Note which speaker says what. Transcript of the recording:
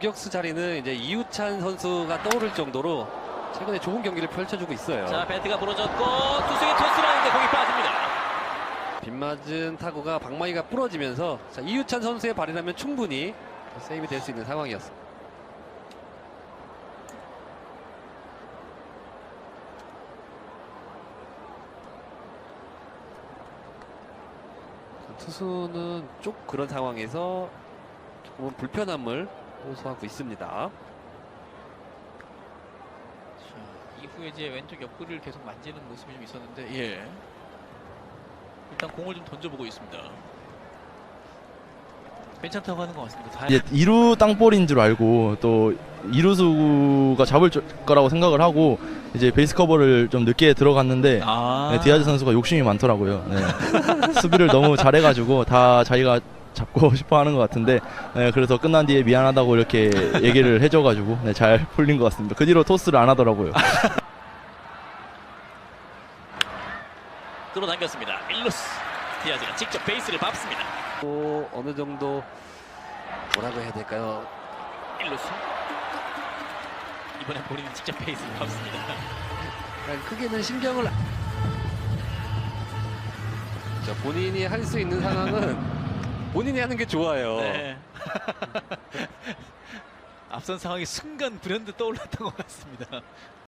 Speaker 1: 유격수 자리는 이제 이우찬 선수가 떠오를 정도로 최근에 좋은 경기를 펼쳐주고 있어요.
Speaker 2: 자, 배트가 부러졌고 투수의 토스를 하는데 공이 빠집니다.
Speaker 1: 빗맞은 타구가 방망이가 부러지면서 자, 이우찬 선수의 발이라면 충분히 세이브 될 수 있는 상황이었습니다. 투수는 쭉 그런 상황에서 조금은 불편함을 호소하고 있습니다.
Speaker 2: 자, 이후에 이제 왼쪽 옆구리를 계속 만지는 모습이 좀 있었는데, 예. 일단 공을 좀 던져보고 있습니다. 괜찮다고 하는 것 같습니다.
Speaker 3: 이제 2루 땅볼인 줄 알고 또 2루수가 잡을 거라고 생각을 하고 이제 베이스 커버를 좀 늦게 들어갔는데 네, 디아즈 선수가 욕심이 많더라고요. 네. 수비를 너무 잘해가지고 다 자기가 잡고 싶어 하는 것 같은데 네, 그래서 끝난 뒤에 미안하다고 이렇게 얘기를 해줘가지고 네, 잘 풀린 것 같습니다. 그 뒤로 토스를 안 하더라고요.
Speaker 2: 끌어당겼습니다. 1루스 디아즈가 직접 베이스를 밟습니다.
Speaker 1: 또 어느 정도 뭐라고 해야 될까요?
Speaker 2: 1루스 이번엔 본인이 직접 베이스를 밟습니다.
Speaker 1: 크게는 신경을 자, 본인이 할 수 있는 상황은 본인이 하는 게 좋아요.
Speaker 2: 네. 앞선 상황이 순간 불현듯 떠올랐던 것 같습니다.